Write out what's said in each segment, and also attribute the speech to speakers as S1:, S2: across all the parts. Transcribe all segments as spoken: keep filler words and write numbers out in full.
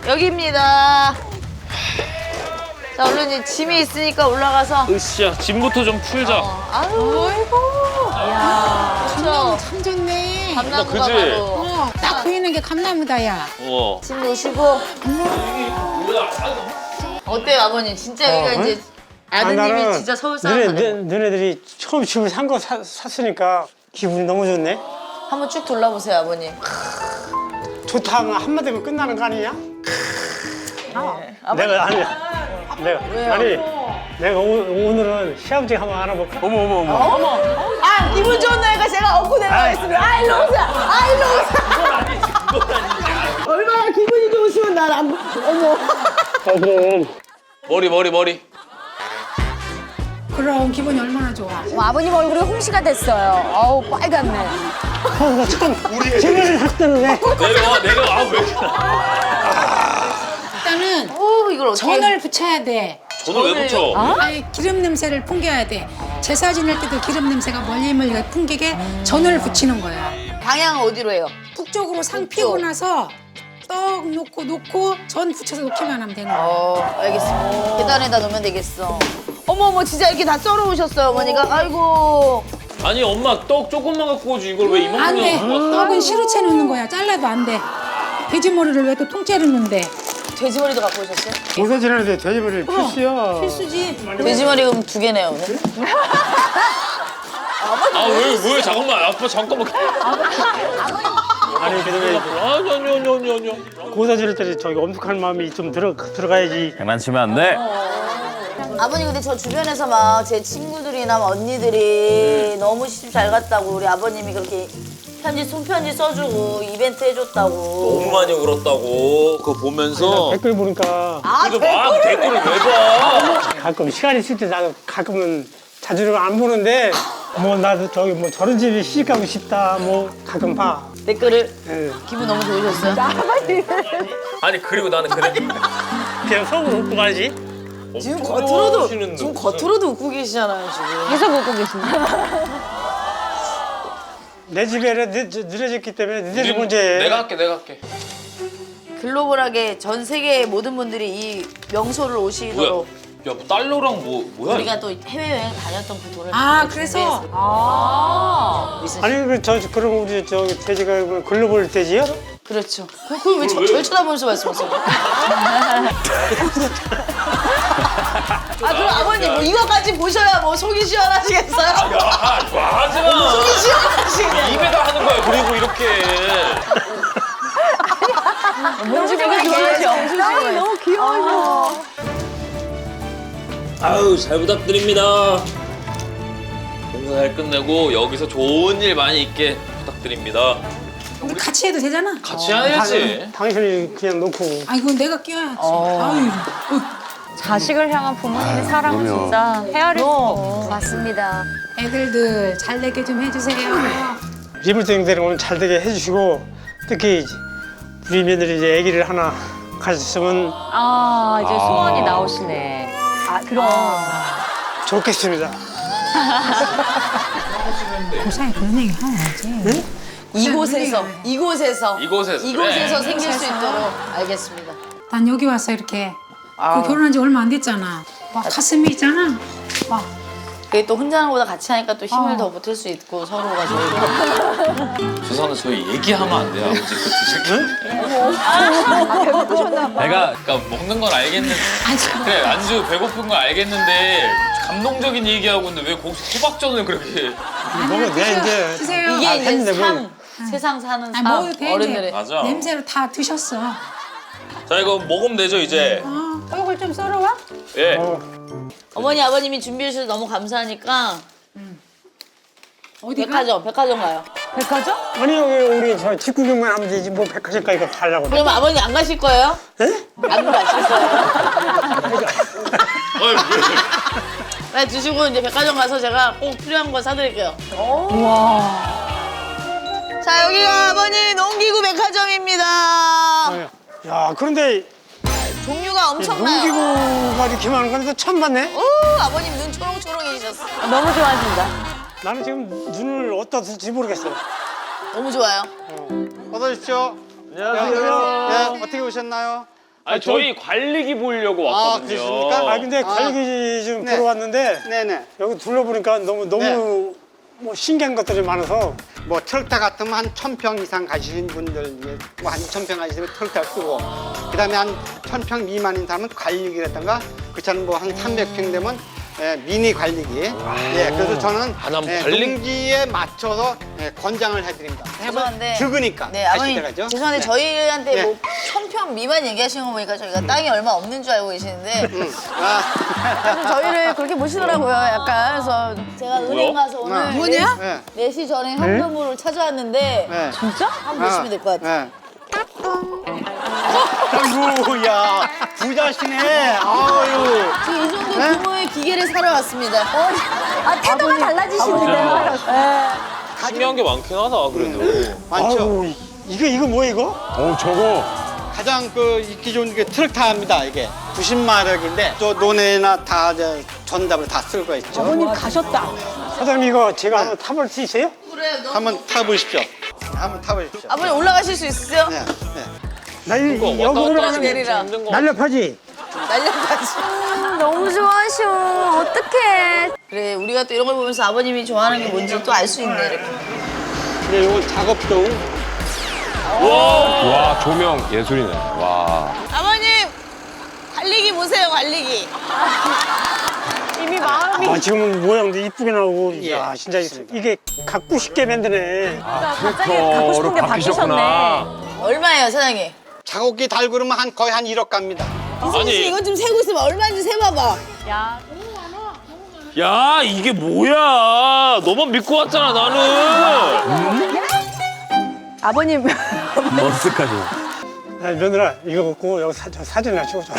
S1: 여기입니다. 자, 얼른 이제 짐이 있으니까 올라가서.
S2: 으쌰, 짐부터 좀 풀자.
S1: 어. 아유, 아이고. 이야, 그렇죠.
S3: 참 좋네.
S1: 감나무가
S2: 그치?
S1: 바로.
S3: 어, 딱 보이는 게 감나무다, 야.
S2: 어.
S1: 짐 놓으시고. 어때요, 아버님? 진짜 여기가
S4: 어,
S1: 이제
S4: 아,
S1: 아드님이
S4: 나는
S1: 진짜 서울
S4: 너네,
S1: 사람 같아요.
S4: 너, 너네들이 처음 집을 산 거 샀으니까 기분이 너무 좋네.
S1: 한번 쭉 둘러보세요, 아버님.
S4: 좋다 하면 한마디면 끝나는 거 아니냐?
S1: 네.
S4: 내가 아니야. 내가
S1: 왜요?
S4: 아니 내가 오, 오늘은 시아버지 한번 알아볼까?
S2: 어머, 어머, 어머.
S1: 어머! 아, 기분 좋은 날이니까 제가 업고 내려가겠습니다. 아, 일로 오세요! 아, 일로 오세요! 얼마나 기분이 좋으시면 날 안, 어머.
S4: 어, 그럼
S2: 머리, 머리, 머리.
S3: 그럼 기분이 얼마나 좋아.
S5: 어, 아버님 얼굴이 홍시가 됐어요. 어우 빨갛네.
S4: 나 처음 집을 샀다는 왜?
S2: 내려와, 내려와. 아, 왜 이렇게.
S3: 일단은
S1: 오, 이걸 어떻게.
S3: 전을 붙여야 돼.
S2: 저는 왜 붙여?
S3: 아니, 기름 냄새를 풍겨야 돼. 제사 지낼 때도 기름 냄새가 멀리멀리 풍기게 전을 붙이는 거야.
S1: 방향은 어디로 해요?
S3: 북쪽으로 상
S1: 북쪽.
S3: 피고 나서 떡 놓고 놓고 전 붙여서 놓기만 하면 되는 거야.
S1: 어, 알겠습니다. 계단에다 놓으면 되겠어. 어머, 어머, 진짜 이렇게 다 썰어 오셨어요, 어머니가? 아이고.
S2: 아니, 엄마 떡 조금만 갖고 오지. 이걸 왜
S3: 안 돼.
S2: 이만큼 갖고
S3: 떡은 시루채 넣는 거야. 잘라도 안 돼. 돼지 머리를 왜 또 통째로 넣는데?
S1: 돼지머리도 갖고 오셨어요?
S4: 모사 지내는데 돼지머리 필수야.
S3: 필수지.
S1: 돼지머리 그럼 두 개네요, 오늘.
S2: 아, 왜, 왜, 잠깐만. 아빠, 잠깐만.
S4: 아니 그다음에
S2: 아니, 아니, 아니, 아니, 아니.
S4: 고사 지낼 때 저기 엄숙한 마음이 좀 들어 들어가야지.
S2: 장난치면 안 돼.
S1: 아버님, 근데 저 주변에서 막 제 친구들이나 막 언니들이 너무 시집 잘 갔다고 우리 아버님이 그렇게 편지, 손편지 써주고 이벤트 해줬다고.
S2: 너무 많이 울었다고. 그거 보면서.
S4: 댓글 보니까
S1: 아,
S2: 그래도 막 댓글을 왜 봐?
S4: 가끔 시간 있을 때 나도 가끔은 자주는 안 보는데 뭐 나도 저기 뭐 저런 집에 시집 가고 싶다 뭐 가끔 봐.
S1: 댓글을.
S4: 예.
S1: 기분 너무 좋으셨어요?
S2: 아니, 그리고 나는 그래.
S4: 그냥 속으로 웃고 가지.
S1: 지금
S2: 엄청
S1: 겉으로도,
S2: 좋아하시는데
S1: 지금
S2: 무슨.
S1: 겉으로도 웃고 계시잖아요, 지금.
S5: 계속 웃고 계십니다.
S4: 내 집에 늦, 늦어졌기 때문에 늦어진
S2: 우린-
S4: 문제.
S2: 내가 할게, 내가 할게.
S1: 글로벌하게 전 세계의 모든 분들이 이 명소를
S2: 뭐야?
S1: 오시도록
S2: 야, 뭐 달러랑 뭐, 뭐야?
S1: 우리가 또 해외여행 다녔던 그 돈을
S3: 아,
S1: 또
S3: 그래서?
S1: 준비했어요.
S5: 아.
S4: 아니 그저 그럼 우리 저기 돼지가 글로벌 돼지야?
S1: 그렇죠. 그- 그걸 왜 저, 절 쳐다보면서 말씀하세요? 아, 그럼 아버님 뭐 이거까지 보셔야 뭐 속이 시원하시겠어요?
S2: 야, 이거 하지 마.
S1: 속이 시원하시겠네.
S2: 입에다 하는 거야, 그리고 이렇게.
S1: 뭔지 되게 좋아하죠. 너무 귀여워.
S2: 아유, 잘 부탁드립니다. 공사 잘 끝내고 여기서 좋은 일 많이 있게 부탁드립니다.
S3: 우리 같이 해도 되잖아.
S2: 같이 해야지.
S4: 당신이 그냥 놓고.
S3: 아이고, 내가 끼워야지. 아유,
S5: 자식을 향한 부모님의 사랑은 진짜 헤아릴 수 없어.
S1: 맞습니다.
S3: 애들들 잘 되게 좀 해주세요.
S4: 리물땡들은 오늘 잘 되게 해주시고 특히 우리 며느리 이제 아기를 하나 가졌으면
S5: 아 이제 소원이 나오시네. 아 그럼.
S4: 좋겠습니다.
S3: 고사에 그런 얘기 하면 알지.
S1: 이곳에서, 이곳에서,
S2: 이곳에서,
S1: 이곳에서
S2: 그래.
S1: 생길 수 있도록 알겠습니다.
S3: 난 여기 와서 이렇게 그 결혼한 지 얼마 안 됐잖아. 막 가슴이 있잖아. 막
S1: 그게 또 혼자 하는 것보다 같이 하니까 또 힘을
S3: 어.
S1: 더 보탤 수 있고 서로가 저희가.
S2: 죄송한데 저희 얘기하면 안 돼요, 아버지. 그 드실 내가 그러니까 먹는 건 알겠는데 그래 안주 배고픈 건 알겠는데 감동적인 얘기하고 있는데 왜 거기서 호박전을 그렇게
S4: 먹어 내 이제
S3: 드세요.
S1: 이게
S4: 아,
S1: 이제
S4: 했는데 뭐.
S1: 삶, 세상 사는
S3: 아니,
S1: 삶,
S3: 먹어도 돼,
S1: 어른들의.
S3: 이제.
S2: 맞아.
S3: 냄새로 다 드셨어.
S2: 자 이거 먹으면 되죠 이제.
S3: 어, 떡을 좀 썰어와.
S2: 예.
S4: 어,
S1: 어머니 아버님이 준비해 주셔서 너무 감사하니까
S3: 어디가?
S1: 백화점, 백화점 가요.
S5: 백화점?
S4: 아니 여기 우리 저 집 구경만 하면 되지 뭐 백화점까지 가 가려고.
S1: 그럼 아버님 안 가실 거예요?
S4: 예?
S1: 안 가실 거예요?
S2: 어이,
S1: 빨리 드시고 이제 백화점 가서 제가 꼭 필요한 거 사드릴게요. 자, 여기가 아버님 농기구 백화점입니다.
S4: 야 그런데
S1: 종류가 엄청나요.
S4: 농기구가 이렇게 많은 건데 처음 봤네.
S1: 오, 아버님 눈 초롱초롱해지셨어.
S5: 너무 좋아하신다.
S4: 나는 지금 눈을 어디다 둘지 모르겠어요.
S1: 너무 좋아요.
S6: 어서 오십시오.
S4: 안녕하세요.
S6: 예, 어떻게 오셨나요?
S2: 아니 저희 관리기 보려고
S6: 아,
S2: 왔거든요.
S6: 그러십니까?
S4: 아 근데
S6: 아.
S4: 관리기 좀
S6: 네.
S4: 보러 왔는데
S6: 네네.
S4: 여기 둘러보니까 너무 너무
S6: 네.
S4: 뭐 신기한 것들이 많아서
S6: 뭐 트럭타 같으면 한 천 평 이상 가시는 분들, 뭐한 이천 평 가시면 트럭타 쓰고, 그 다음에 한 천 평 미만인 사람은 관리기라든가, 그렇잖아요. 뭐 한 삼백 평 되면 예, 미니 관리기. 예, 그래서 저는
S2: 아, 난
S6: 예,
S2: 관리-
S6: 농지에 맞춰서 예, 권장을 해드립니다.
S1: 죄송한데.
S6: 적으니까.
S1: 네,
S6: 가실
S1: 아버님.
S6: 때 가죠?
S1: 죄송한데
S6: 네.
S1: 저희한테
S6: 네.
S1: 뭐 천평 미만 얘기하시는 거 보니까 저희가 땅이 얼마 없는 줄 알고 계시는데
S6: 음. 아,
S1: 좀 저희를 그렇게 보시더라고요. 약간 그래서 제가 은행 가서 오늘
S3: 뭐냐?
S6: 예.
S1: 네 시 전에 현금으로 찾아왔는데
S6: 예.
S5: 진짜?
S1: 한번 보시면 될 것 같아요.
S6: 예. 아이고, 야, 부자시네. 아유.
S1: 지금 이 정도 규모의 기계를 사러 왔습니다.
S5: 아, 태도가 달라지시는데요?
S2: 신기한 게 많긴 하다 그래도.
S6: 많죠.
S4: 아우 이게 이거 뭐야 이거?
S7: 어 저거
S6: 가장 그 인기 좋은 게 트럭타입니다. 이게 구십 마력인데 또 논에나 다 저, 전답을 다 쓸 거 있죠.
S5: 아버님 가셨다.
S4: 사장님 이거 제가 한번 타볼 수 있어요?
S1: 그래요. 너무-
S6: 한번 타보십시오. 한번 타보십시오.
S1: 아버님 올라가실 수 있으세요?
S6: 네, 네.
S4: 나 이,
S2: 이거
S4: 여기
S2: 왔다 갔다
S4: 올라가는
S2: 하시면
S4: 게
S1: 내리라.
S2: 힘든 거.
S4: 날렵하지?
S1: 날려가지.
S5: 너무 좋아하셔. 어떡해.
S1: 그래 우리가 또 이런 걸 보면서 아버님이 좋아하는 게 뭔지 또 알 수 있네. 이렇게.
S6: 근데 이건 작업동.
S7: 와 조명 예술이네. 와.
S1: 아버님 관리기 보세요 관리기.
S5: 이미 마음이.
S4: 아 지금은 모양도 이쁘게 나오고
S6: 예,
S4: 야 진짜 이게 갖고 싶게 만드네.
S5: 갑자기 갖고 싶은 게 바뀌셨네.
S1: 얼마예요 사장님?
S6: 작업기 달고 그러면 한 거의 한 일억 갑니다.
S1: 이승희 씨 이거 좀 세고 있으면 얼마인지 세봐봐.
S5: 야,
S2: 야 이게 뭐야? 너만 믿고 왔잖아 나는.
S5: 아버님.
S7: 머쓱하죠.
S4: 야, 며느라 이거 먹고 여기 사, 저 사진 하나 찍어줘.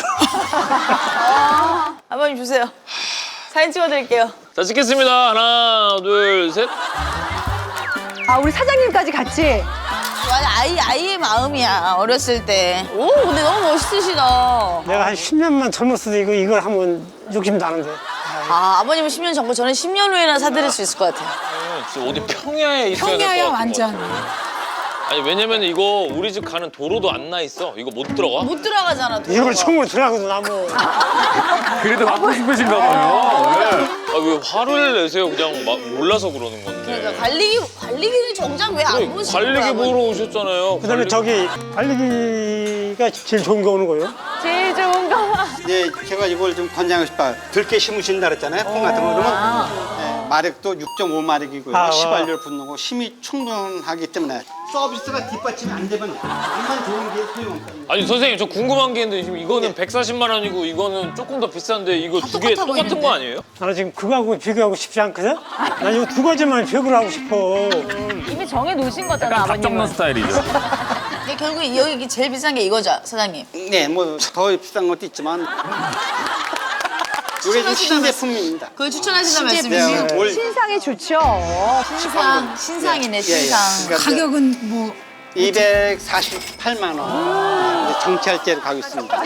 S1: 아버님 주세요. 사진 찍어드릴게요.
S2: 자 찍겠습니다. 하나 둘 셋.
S5: 아, 우리 사장님까지 같이.
S1: 완전 아이 아이의 마음이야 어렸을 때. 오 근데 너무 멋있으시다.
S4: 내가 한 십 년만 젊었어도 이거 이걸 하면 욕심 나는데.
S1: 아 아버님은 십 년 전고 저는 십 년 후에나 사드릴 수 있을 것 같아요.
S2: 진짜 어디 평야에 있어야 될 것
S3: 평야야
S2: 같은
S3: 완전.
S2: 것 같아. 아니 왜냐면 이거 우리 집 가는 도로도 안 나 있어. 이거 못 들어가?
S1: 못 들어가잖아. 도로가.
S4: 이걸 총으로 들어가거든 나무.
S7: 그래도 갖고 싶으신가 봐요. 네.
S2: 아 왜 화를 내세요? 그냥 막 몰라서 그러는 건데.
S1: 그러니까 관리기 관리기는 정작 왜 안 보시는 거야?
S2: 관리기 보러 오셨잖아요.
S4: 그다음에
S2: 관리-
S4: 저기 관리기가 제일 좋은 게 오는 거예요.
S5: 제일 좋은 거.
S6: 예, 제가 이걸 좀 권장하고 싶어요. 들깨 심으신다 그랬잖아요. 콩 같은 거 그러면 예, 마력도 육 점 오 마력이고요.
S4: 아, 와.
S6: 시발률 붙는 거 힘이 충분하기 때문에 서비스가 뒷받침이 안 되면 이만 좋은 게 소용없거든요.
S2: 아니 선생님 저 궁금한 게 있는데 지금 이거는 백사십만 원이고 이거는 조금 더 비싼데 이거 두 개
S1: 똑같아
S2: 똑같은
S1: 보이는데?
S2: 거 아니에요?
S4: 나는 지금 그거하고 비교하고 싶지 않거든. 나 이거 두 가지만 비교를 하고 싶어.
S5: 이미 정해 놓으신 거잖아, 아버님은.
S7: 스타일이죠.
S1: 근데 결국 여기 제일 비싼 게 이거죠 사장님.
S6: 네, 뭐 더 비싼 것도 있지만 이게 좀 신제품입니다.
S1: 그걸 추천하신다는
S6: 네,
S1: 말씀이시죠?
S6: 올
S5: 신상이 좋죠.
S1: 신상 신상이네
S6: 예, 예.
S1: 신상.
S6: 그러니까
S3: 가격은 뭐
S6: 이백사십팔만 원 이제 정찰제로 가고 있습니다.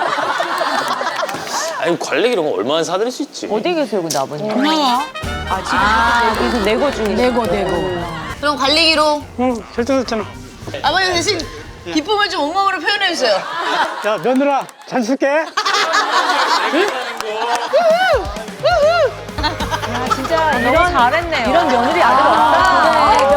S2: 아니 관리기 이런 거 얼마나 사드릴 수 있지?
S5: 어디 계세요, 근데 아버님?
S3: 고마워.
S5: 아, 지금 여기서 내고 중이네.
S3: 내고 내고.
S1: 그럼 관리기로
S4: 응, 결정했잖아.
S1: 아버님 대신 기쁨을 좀 온몸으로 표현해 주세요.
S4: 야 며느라 잘 쓸게.
S5: 진짜 이런 잘했네요. 이런 며느리 아들 없다.